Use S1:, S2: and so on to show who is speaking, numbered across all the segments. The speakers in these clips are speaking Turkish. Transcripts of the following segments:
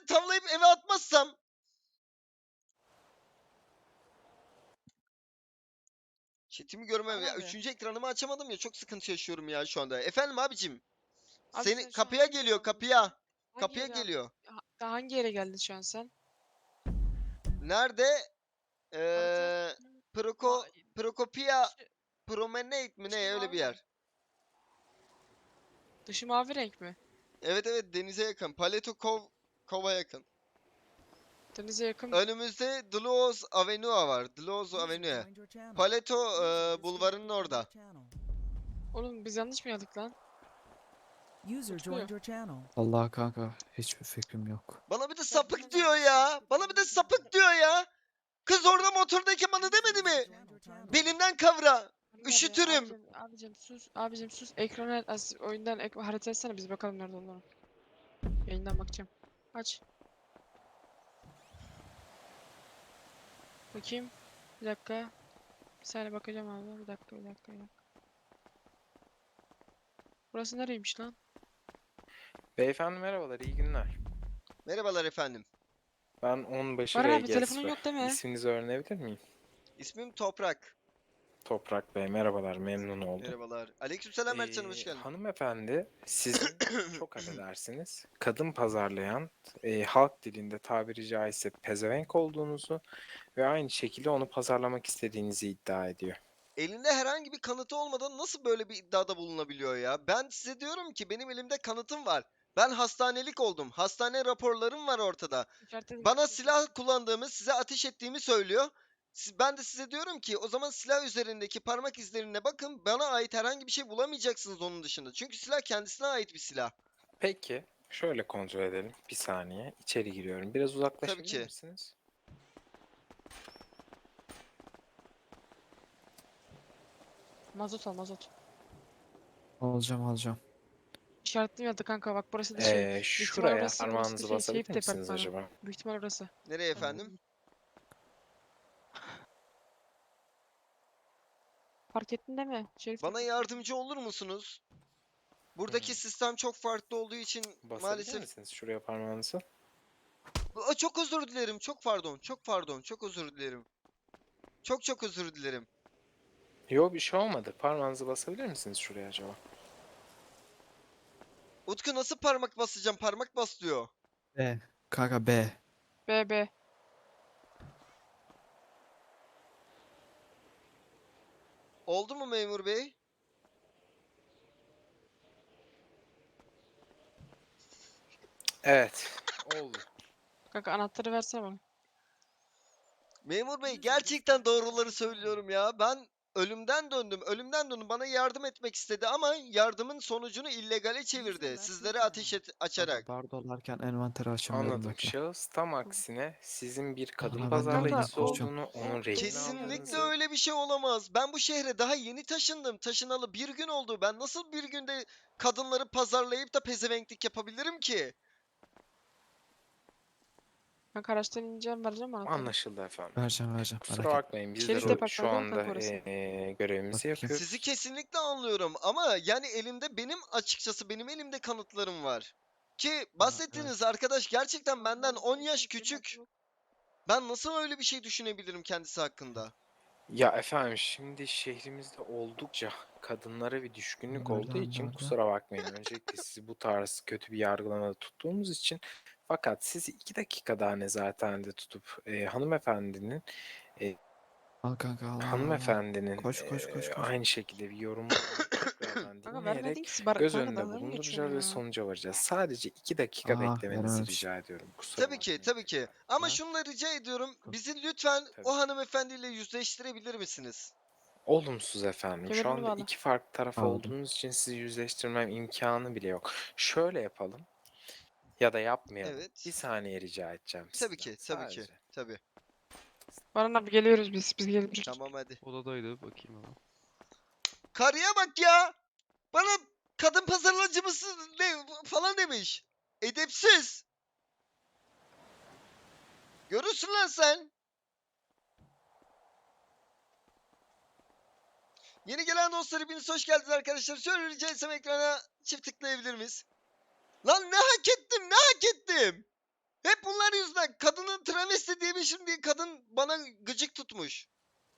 S1: onları tavlayıp eve atmazsam. Chatimi görmem ya.
S2: Abi.
S1: Üçüncü ekranımı açamadım ya. Çok sıkıntı yaşıyorum ya şu anda. Efendim abicim.
S2: Abi
S1: Seni
S2: sen şu an
S1: kapıya
S2: hangi yere
S1: geliyor,
S2: aldın?
S1: kapıya.
S2: Hangi
S1: Kapıya
S2: yere aldın?
S1: geliyor.
S2: Hangi yere geldin şu an sen?
S1: Nerede?
S2: Harita. Ma
S1: Procopia
S2: dışı,
S1: Promenade mi
S2: dışı
S1: ne öyle bir
S2: mavi mi?
S1: yer.
S2: Dışı mavi renk mi?
S1: Evet evet, denize yakın. Kova yakın.
S2: Denize yakın.
S1: Önümüzde Dluoz Avenue var. Dluoz Avenue. Paleto bulvarının orada.
S2: Oğlum biz yanlış mı yazdık lan? Utku.
S3: Allah kanka hiçbir fikrim yok.
S1: Bana bir de
S2: Sen
S1: sapık
S2: hemen
S1: diyor ya. Bana bir de sapık diyor ya. Kız orada motordayken bana demedi mi? Belimden kavra.
S2: Ömer abi,
S1: Üşütürüm.
S2: abicim sus. Abicim sus. Ekranı oyundan harita etsene biz bakalım nerede olduğunu. Yayından bakacağım. Aç. Bakayım. Bir dakika. Bir saniye bakacağım abi. Bir dakika. Burası nereymiş lan?
S4: Beyefendi merhabalar, iyi günler.
S1: Merhabalar efendim.
S4: Ben Onbaşı
S2: Baran abi telefonun
S4: RGS.
S2: yok değil mi?
S4: İsminizi öğrenebilir miyim?
S1: İsmim Toprak.
S4: Toprak Bey, merhabalar, memnun oldum.
S1: Merhabalar. Aleykümselam Mertcan, hoş geldin.
S4: Hanımefendi, sizin çok affedersiniz, kadın pazarlayan, halk dilinde tabiri caizse pezevenk olduğunuzu ve aynı şekilde onu pazarlamak istediğinizi iddia ediyor.
S1: Elinde herhangi bir kanıtı olmadan nasıl böyle bir iddiada bulunabiliyor ya? Ben size diyorum ki benim elimde kanıtım var. Ben hastanelik oldum. Hastane raporlarım var ortada. Bana silah kullandığımı, size ateş ettiğimi söylüyor. Ben de size diyorum ki o zaman silah üzerindeki parmak izlerine bakın. Bana ait herhangi bir şey bulamayacaksınız onun dışında. Çünkü silah kendisine ait bir silah.
S4: Peki, şöyle kontrol edelim. Bir saniye, içeri giriyorum. Biraz
S1: Tabii
S4: uzaklaşabilir
S1: ki.
S4: misiniz?
S2: Mazot al mazot.
S3: Alacağım.
S2: İşaretli yazdı kanka bak burası da şey. Büyük ihtimal
S4: Şuraya
S2: orası da
S4: parmağınızı
S2: şey Seyit
S4: basabilir misiniz
S2: departmanı.
S4: acaba?
S2: Büyük ihtimal orası.
S1: Nereye efendim?
S2: Fark ettin değil mi? Şerif
S1: Bana
S2: departmanı.
S1: yardımcı olur musunuz? Buradaki sistem çok farklı olduğu için
S4: Basabilir
S1: maalesef...
S4: misiniz şuraya parmağınızı?
S1: Çok özür dilerim. Çok pardon. Çok pardon. Çok özür dilerim. Çok özür dilerim.
S4: Yok, bir şey olmadı. Parmağınızı basabilir misiniz şuraya acaba?
S1: Utku nasıl parmak basacağım? Parmak bas diyor.
S3: B. Kanka B.
S2: BB.
S1: Oldu mu memur bey?
S4: Evet. Oldu.
S2: Kanka anahtarı versene bana.
S1: Memur bey gerçekten doğruları söylüyorum ya. Ben ölümden döndüm. Ölümden döndüm. Bana yardım etmek istedi ama yardımın sonucunu illegale çevirdi. Sizlere açarak.
S3: Kanka bar dolarken envanteri açamıyorum
S4: Anladım.
S3: bekle.
S4: Şahıs tam aksine sizin bir kadın
S3: Aha, ben de
S2: Kanka
S4: pazarlayıcısı
S2: o
S3: konuşacağım.
S4: olduğunu, onun rehin
S1: Kesinlikle
S4: aldığınızı.
S1: öyle bir şey olamaz. Ben bu şehre daha yeni taşındım. Taşınalı bir gün oldu. Ben nasıl bir günde kadınları pazarlayıp da pezevenklik yapabilirim ki?
S2: kanka araçtan ineceğim vereceğim anahtarı.
S4: Anlaşıldı efendim.
S3: Vereceğim
S4: Kusura
S3: merak etme.
S4: bakmayın, biz de
S2: Şerif
S4: şu
S2: departmanı değil mi
S4: anda
S2: kanka orası?
S4: görevimizi
S3: Bakayım.
S4: yapıyoruz.
S1: Sizi kesinlikle anlıyorum ama yani elimde açıkçası benim elimde kanıtlarım var. Ki bahsettiğiniz
S3: Evet.
S1: arkadaş gerçekten benden 10 yaş küçük. Ben nasıl öyle bir şey düşünebilirim kendisi hakkında?
S4: Ya efendim, şimdi şehrimizde oldukça kadınlara bir düşkünlük olduğu için
S3: Nerede?
S4: kusura bakmayın. Öncelikle sizi bu tarz kötü bir yargılamada tuttuğumuz için, fakat sizi 2 dakika daha nezarethanede tutup hanımefendinin
S3: Al kanka al.
S4: hanımefendinin
S3: Koş.
S4: aynı şekilde bir yorumunu tekrardan
S2: Kanka vermedin
S4: dinleyerek
S2: ki siz
S4: göz
S2: kanka
S4: önünde
S2: dalga mı geçiyorsun
S4: bulunduracağız ve
S2: ya?
S4: sonuca varacağız. Sadece 2 dakika beklemenizi
S3: Verememiş.
S4: rica ediyorum. Kusura
S1: Tabii ki,
S4: bakmayın
S1: tabii ki. Ama
S4: tekrardan.
S1: şunu da rica ediyorum. Bizi lütfen
S4: Tabii.
S1: o hanımefendiyle yüzleştirebilir misiniz?
S4: Olumsuz efendim. Şu
S2: Kemerini
S4: anda
S2: bağla.
S4: 2 farklı taraf
S3: Aldım.
S4: olduğunuz için sizi yüzleştirmem imkanı bile yok. Şöyle yapalım ya da yapmayalım. Bir
S1: Evet.
S4: saniye rica edeceğim
S1: Tabii
S4: sizden.
S1: ki, tabii ki.
S4: Sadece.
S1: Tabii.
S2: Baran abi geliyoruz biz geliyoruz.
S1: Tamam hadi.
S5: Odadaydı, bakayım hemen.
S1: Karıya bak ya. Bana kadın pazarlacı mısın ne falan demiş. Edepsiz. Görürsün lan sen. Yeni gelen dostlar hepiniz hoş geldiniz arkadaşlar. Şöyle rica etsem ekrana çift tıklayabilir miyiz? Lan ne hak ettim, ne hak ettim? Hep bunlar yüzünden kadının travesti diyemişim diye kadın bana gıcık tutmuş.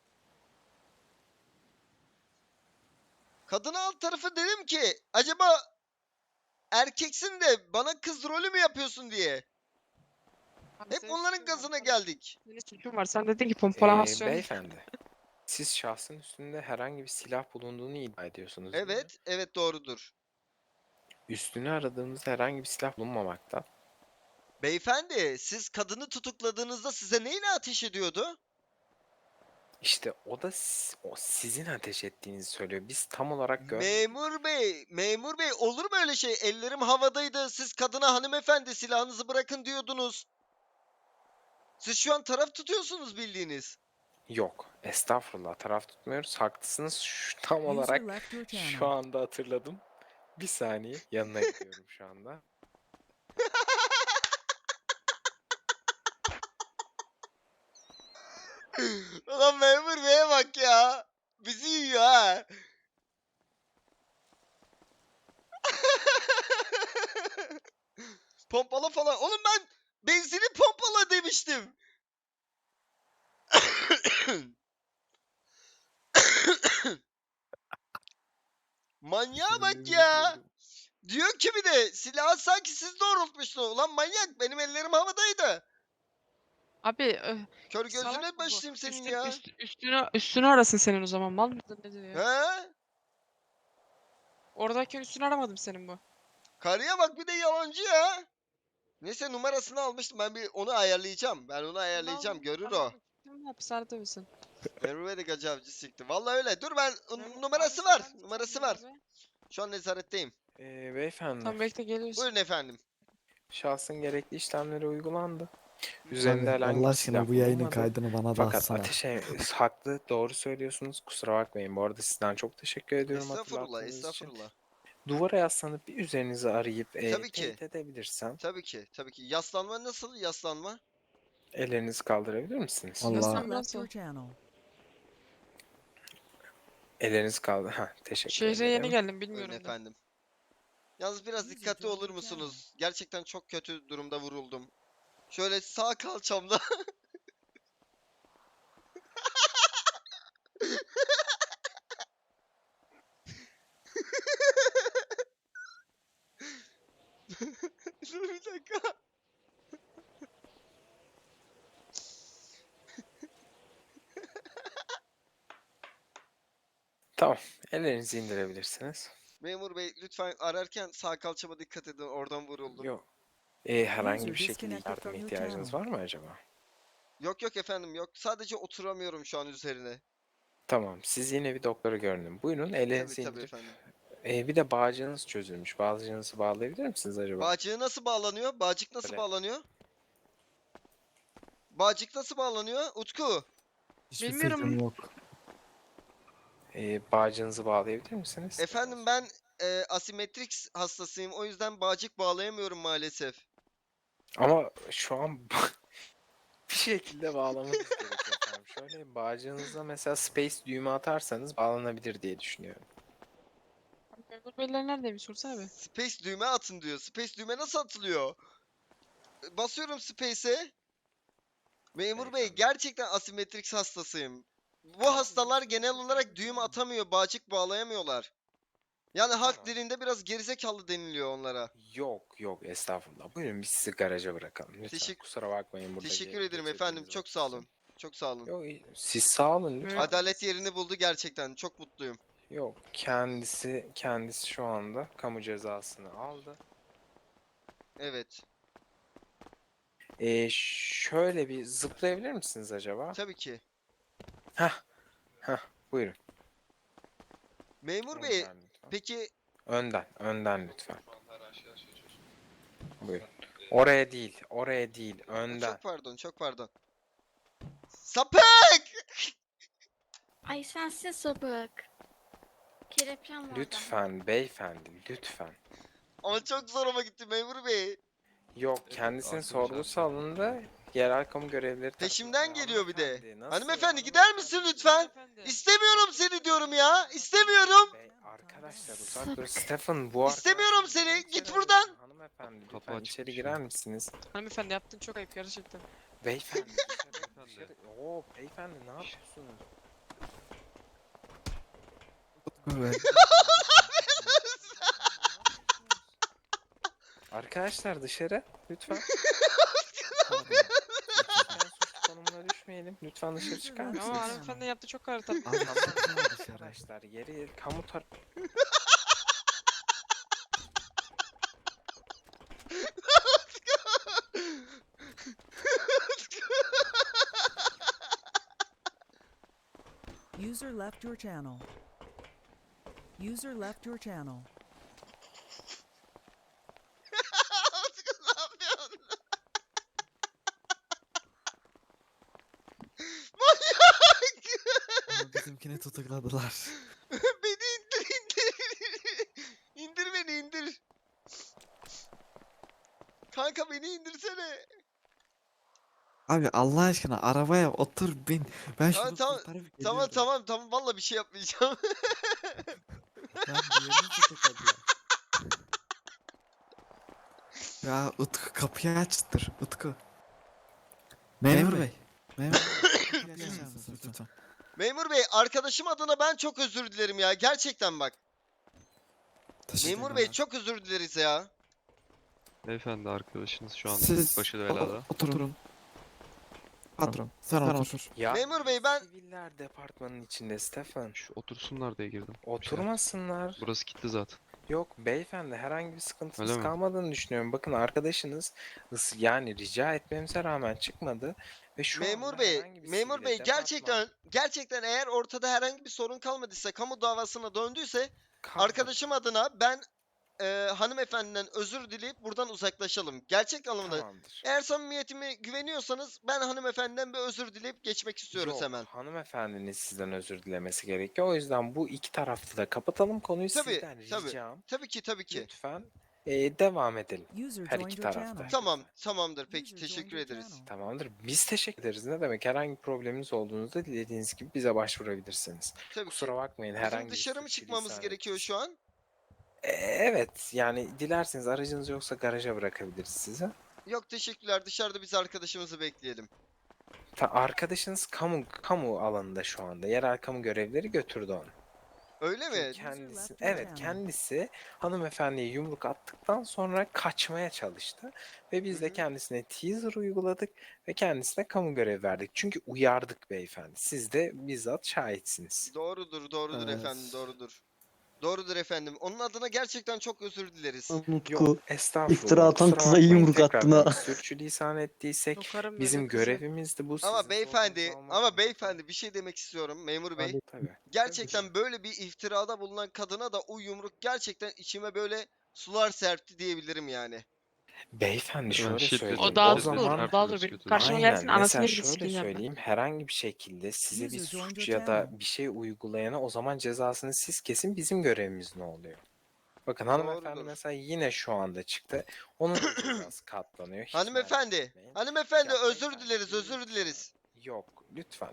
S1: Kadına alt tarafı dedim ki acaba erkeksin de bana kız rolü mü yapıyorsun diye.
S2: Abi
S1: Hep
S2: senin
S1: onların
S2: suçun var,
S1: gazına
S2: sen-
S1: geldik.
S2: Senin suçun var. Sen dedin ki pompalamasyon.
S4: Beyefendi, siz şahsın üstünde herhangi bir silah bulunduğunu iddia ediyorsunuz değil mi?
S1: Evet, evet doğrudur.
S4: Üstünü aradığımızda herhangi bir silah bulunmamakta.
S1: Beyefendi, siz kadını tutukladığınızda size neyle ateş ediyordu?
S4: İşte o da o sizin ateş ettiğinizi söylüyor. Biz tam olarak görmedik.
S1: Memur bey olur mu öyle şey? Ellerim havadaydı. Siz kadına hanımefendi silahınızı bırakın diyordunuz. Siz şu an taraf tutuyorsunuz bildiğiniz.
S4: Yok, estağfurullah taraf tutmuyoruz. Haklısınız. Tam
S5: User
S4: olarak
S5: left your
S4: şu
S5: channel.
S4: anda hatırladım. Bir saniye yanına gidiyorum şu anda.
S1: Ulan memur beye bak ya. Bizi yiyor ha. Pompala falan. Oğlum ben benzini pompala demiştim. Manyağa bak ya. Diyor ki bir de silahı sanki siz doğrultmuşsunuz. Ulan manyak benim ellerim havadaydı.
S2: Abi
S1: Kör
S2: salak
S1: gözüne
S2: mı bu?
S1: başlayayım senin ya.
S2: Üstünü arasın senin o zaman. Mal mıdır nedir ya?
S1: He?
S2: Oradayken üstünü aramadım senin bu.
S1: Karıya bak bir de yalancı ya. Neyse numarasını almıştım ben bir onu ayarlayacağım. Ben onu ayarlayacağım görür o.
S2: Kim hapishanede misin?
S1: Merve de gacı avcı sikti. Vallahi öyle. Dur ben
S2: Memur-
S1: numarası
S2: abi
S1: var.
S2: sen
S1: Numarası
S2: neredesin
S1: var.
S2: abi?
S1: Şu an nezaretteyim.
S4: Beyefendi,
S2: Tamam bekle geliyorsun.
S1: Buyurun efendim.
S4: şahsın gerekli işlemleri uygulandı. Üzerinde
S3: Abi
S4: herhangi
S3: Allah
S4: bir
S3: aşkına
S4: silah
S3: bu yayının
S4: bulunmadı.
S3: kaydını bana da
S4: Fakat
S3: atsana.
S4: haklı, doğru söylüyorsunuz. Kusura bakmayın. Bu arada sizden çok teşekkür ediyorum
S1: Estağfurullah,
S4: hatırlattığınız için.
S1: estağfurullah.
S4: Duvara yaslanıp bir üzerinizi arayıp
S1: Tabii ki.
S4: teyit edebilirsem
S1: Tabii ki, tabii ki. Yaslanma nasıl yaslanma?
S4: ellerinizi kaldırabilir misiniz?
S3: Allah.
S2: Nasıl-
S5: User left
S2: Nasıl?
S5: your channel.
S4: Ellerinizi kaldır. Ha, teşekkür
S2: Şehre yeni
S4: ederim.
S2: geldim
S1: Buyurun
S2: bilmiyorum da.
S1: efendim. Yalnız biraz dikkatli olur musunuz? Gerçekten çok kötü durumda vuruldum. Şöyle sağ kalçamda. Dur bir dakika.
S4: Tamam. Ellerinizi indirebilirsiniz.
S1: Memur bey lütfen ararken sağ kalçama dikkat edin. Oradan vuruldum.
S4: Yok. Herhangi
S5: User
S4: bir şekilde
S5: disconnected
S4: yardıma
S5: from your
S4: ihtiyacınız
S5: channel.
S4: var mı acaba?
S1: Yok yok efendim yok. Sadece oturamıyorum şu an üzerine.
S4: Tamam. Siz yine bir doktora görünün. Buyurun
S1: Tabii
S4: ellerinizi
S1: tabii
S4: indirip.
S1: efendim.
S4: Bir de bağcığınız çözülmüş. Bağcığınızı bağlayabilir misiniz acaba?
S1: Bağcığı nasıl bağlanıyor? Bağcık nasıl
S4: Böyle.
S1: bağlanıyor? Bağcık nasıl bağlanıyor? Utku.
S3: Hiçbir
S2: Bilmiyorum.
S3: fikrim yok.
S4: Bağcığınızı bağlayabilir misiniz?
S1: Efendim ben asimetrix hastasıyım. O yüzden bağcık bağlayamıyorum maalesef.
S4: Ama şu an bir şekilde bağlamanız gerekiyor efendim. Şöyle bağcığınıza mesela space düğme atarsanız bağlanabilir diye düşünüyorum.
S2: Memur beyler neredeymiş sorsana abi.
S1: Space düğme atın diyor. Space düğme nasıl atılıyor? Basıyorum space'e. Memur bey
S4: Beyefendi.
S1: gerçekten asimetrix hastasıyım. Bu hastalar genel olarak düğüm atamıyor, bağcık bağlayamıyorlar. Yani halk
S4: Tamam.
S1: dilinde biraz gerizekalı deniliyor onlara.
S4: Yok yok estağfurullah. Buyurun biz sizi garaja bırakalım. Lütfen
S1: Teşekkür-
S4: kusura bakmayın burada.
S1: Teşekkür ederim efendim. Çok sağ olun. Çok sağ olun.
S4: Yok siz sağ olun lütfen.
S1: Adalet yerini buldu gerçekten. Çok mutluyum.
S4: Yok kendisi şu anda kamu cezasını aldı.
S1: Evet.
S4: Şöyle bir zıplayabilir misiniz acaba?
S1: Tabii ki.
S4: Heh. Buyurun.
S1: Memur bey,
S4: Önden lütfen.
S1: peki
S4: Önden lütfen. Buyurun. Oraya değil, önden.
S1: çok pardon, çok pardon. Sapık!
S6: Ay sensin sapık. Kelepçem var.
S4: Lütfen beyefendi, lütfen.
S1: Ama çok zoruma gitti memur bey.
S4: Yok, kendisinin sorgusu alındı. Yerel kamu görevlileri
S1: Peşimden
S4: tarafından.
S1: geliyor bir de.
S4: Hanımefendi, nasıl
S1: Hanımefendi
S4: ya?
S1: gider misin lütfen?
S2: Hanımefendi.
S1: İstemiyorum seni diyorum ya. İstemiyorum.
S4: Arkadaşlar uzak durun. Stefan bu
S1: İstemiyorum
S4: arkadaşlar
S1: seni.
S4: niye
S1: Git
S4: içeri
S1: buradan.
S4: alıyorsun? Hanımefendi
S5: Kapı
S4: lütfen
S5: açık
S4: içeri
S5: bir şey.
S4: girer misiniz?
S2: Hanımefendi yaptın çok ayıp gerçekten.
S4: Beyefendi dışarı. Oo beyefendi ne yapıyorsunuz?
S3: Utku Bey.
S4: Arkadaşlar dışarı lütfen.
S3: Pardon.
S4: Lütfen suç konumuna düşmeyelim. Lütfen dışarı çıkar
S2: Ama
S4: mısınız?
S2: hanımefendi yaptı çok ağır tabii.
S3: Abi
S4: Tamam
S3: çıkma dışarı.
S4: arkadaşlar yeri kamu
S7: User left your channel. User left your channel.
S1: Utku ne yapıyorsun?
S3: Ama bizimkini tutukladılar.
S1: Beni indir. İndir beni indir. Kanka beni indirsene.
S3: Abi Allah aşkına arabaya otur bin. Ben
S1: Tamam,
S3: şunu
S1: tamam,
S3: kurtarıp
S1: Tamam
S3: geliyorum.
S1: tamam valla bir şey yapmayacağım.
S3: Ben diğerini tutukladılar. Ya Utku kapıyı açtır Utku. Memur Bey. Memur Bey. kapıyı açar mısınız lütfen?
S1: Memur bey arkadaşım adına ben çok özür dilerim ya. Gerçekten bak. Memur bey
S3: Teşekkürler.
S1: çok özür dileriz ya.
S5: Beyefendi arkadaşınız şu an
S3: Siz
S5: başı belada.
S3: oturun. Patron sen otur.
S4: Ya
S1: Memur bey, ben-
S4: Siviller departmanın içinde Stefan.
S5: Şu otursunlar diye girdim.
S4: Oturmasınlar.
S5: Burası kilitli zaten.
S4: Yok beyefendi herhangi bir sıkıntınız
S5: Öyle mi?
S4: kalmadığını düşünüyorum. Bakın arkadaşınız yani rica etmemize rağmen çıkmadı ve şu
S1: Memur
S4: anda
S1: bey,
S4: herhangi bir
S1: memur
S4: sivile
S1: bey
S4: departman
S1: gerçekten eğer ortada herhangi bir sorun kalmadıysa, kamu davasına döndüyse
S4: kalmadı.
S1: arkadaşım adına ben hanımefendiden özür dileyip buradan uzaklaşalım. Gerçek anlamda.
S4: Tamamdır.
S1: Eğer samimiyetime güveniyorsanız ben hanımefendiden bir özür dileyip geçmek istiyoruz
S4: Yok,
S1: hemen.
S4: hanımefendinin sizden özür dilemesi gerekiyor. O yüzden bu iki taraflı da kapatalım konuyu.
S1: Tabii,
S4: Sizden
S1: tabii.
S4: ricam
S1: Tabii ki.
S4: lütfen devam edelim.
S7: User
S4: Her
S7: joined
S4: iki
S7: your
S4: tarafta.
S7: channel.
S1: Tamam, tamamdır. Peki
S7: User joined
S1: teşekkür
S7: your
S1: ederiz.
S7: channel.
S4: Tamamdır. Biz teşekkür ederiz. Ne demek? Herhangi bir probleminiz olduğunuzda dilediğiniz gibi bize başvurabilirsiniz.
S1: Tabii ki.
S4: Kusura bakmayın
S1: Bizim
S4: herhangi bir
S1: dışarı mı
S4: suç
S1: çıkmamız
S4: lisan
S1: gerekiyor
S4: ettiyse.
S1: şu an?
S4: Evet yani dilerseniz aracınız yoksa garaja bırakabiliriz sizi.
S1: Yok teşekkürler. Dışarıda biz arkadaşımızı bekleyelim.
S4: Arkadaşınız kamu alanında şu anda. Yerel kamu görevlileri götürdü onu.
S1: Öyle mi?
S4: Çünkü kendisi evet kendisi hanımefendiye yumruk attıktan sonra kaçmaya çalıştı ve biz
S1: Hı
S4: de
S1: hı.
S4: kendisine teaser uyguladık ve kendisine kamu görevi verdik. Çünkü uyardık beyefendi. Siz de bizzat şahitsiniz.
S1: Doğrudur
S3: Evet.
S1: efendim, doğrudur. Doğrudur efendim. Onun adına gerçekten çok özür dileriz.
S8: Utku
S4: Yok estağfurullah.
S8: iftira atan
S4: kusura
S8: kıza
S4: bakmayın
S8: yumruk attın
S4: tekrardan.
S8: ha.
S4: Sürçülisan ettiysek
S2: Sokarım
S4: bizim
S2: böyle kızı.
S4: görevimizdi bu.
S1: Ama
S4: sizin
S1: beyefendi,
S4: sorununuzu almak
S1: ama
S4: zorunda.
S1: beyefendi bir şey demek istiyorum memur bey.
S4: Tabii.
S1: Gerçekten böyle bir iftirada bulunan kadına da o yumruk gerçekten içime böyle sular serpti diyebilirim yani.
S4: Beyefendi şöyle
S5: şiddet
S4: söyleyeyim.
S2: O daha
S4: O
S2: dur,
S4: zaman
S2: daha dur. Bir karşıma gelsin
S4: Aynen.
S2: anasını
S4: Mesela
S2: bile
S4: şöyle
S2: sikeyim ben.
S4: söyleyeyim. Herhangi bir şekilde size bir
S7: User joined
S4: suç
S7: your
S4: ya da
S7: channel.
S4: bir şey uygulayana o zaman cezasını siz kesin bizim görevimiz ne oluyor? Bakın hanımefendi
S1: Doğrudur.
S4: mesela yine şu anda çıktı. Onun da cezası katlanıyor. Hiç merak
S1: Hanımefendi,
S4: etmeyin.
S1: hanımefendi
S4: Ya
S1: özür
S4: beyefendi,
S1: dileriz, özür
S4: lütfen.
S1: dileriz.
S4: Yok. Lütfen.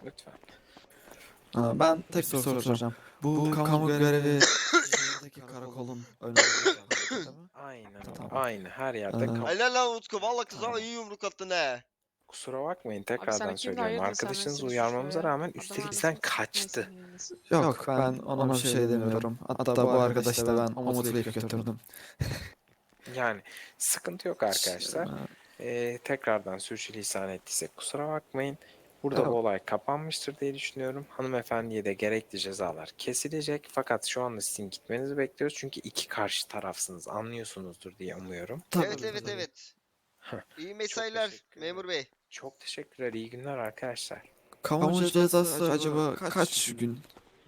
S3: Ben tek soru soracağım. Bu kamu görevi şehirdeki karakolun önünde değil mi?
S4: Aynen.
S3: Tamam.
S4: Aynı. Her yerde kamu.
S1: Helal lan Utku, valla kıza
S3: Tamam.
S1: iyi yumruk attın he.
S4: Kusura bakmayın
S2: sana
S4: tekrardan
S2: kimle
S4: söylüyorum.
S2: hayırdır, sen
S4: Arkadaşınızı
S2: beni
S4: uyarmamıza
S2: suçluyor ya.
S4: rağmen
S2: Adam
S4: üstelik
S2: anasını
S4: bizden
S2: sikeyim,
S4: kaçtı.
S2: neyse.
S3: Yok ben ona bir şey demiyorum. Hatta bu arkadaşı da ben motiveyip götürdüm.
S4: Yani sıkıntı yok arkadaşlar. Tekrardan sürçülisan ettiysek kusura bakmayın. Burada
S3: Yok.
S4: bu olay kapanmıştır diye düşünüyorum. Hanımefendiye de gerekli cezalar kesilecek. Fakat şu anda sizin gitmenizi bekliyoruz. Çünkü iki karşı tarafsınız. Anlıyorsunuzdur diye umuyorum.
S1: Evet. İyi mesailer
S4: teşekkür ederim.
S1: memur bey.
S4: Çok teşekkürler. İyi günler arkadaşlar.
S3: Kamu cezası acaba kaç gün?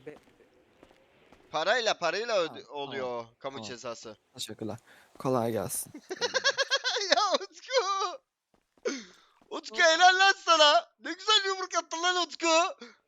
S1: Parayla
S3: Tamam,
S1: oluyor o kamu
S3: tamam.
S1: cezası.
S3: Teşekkürler. Kolay gelsin.
S1: Ya Utku! Utku helal lan sana. Ne güzel yumruk attın lan Utku.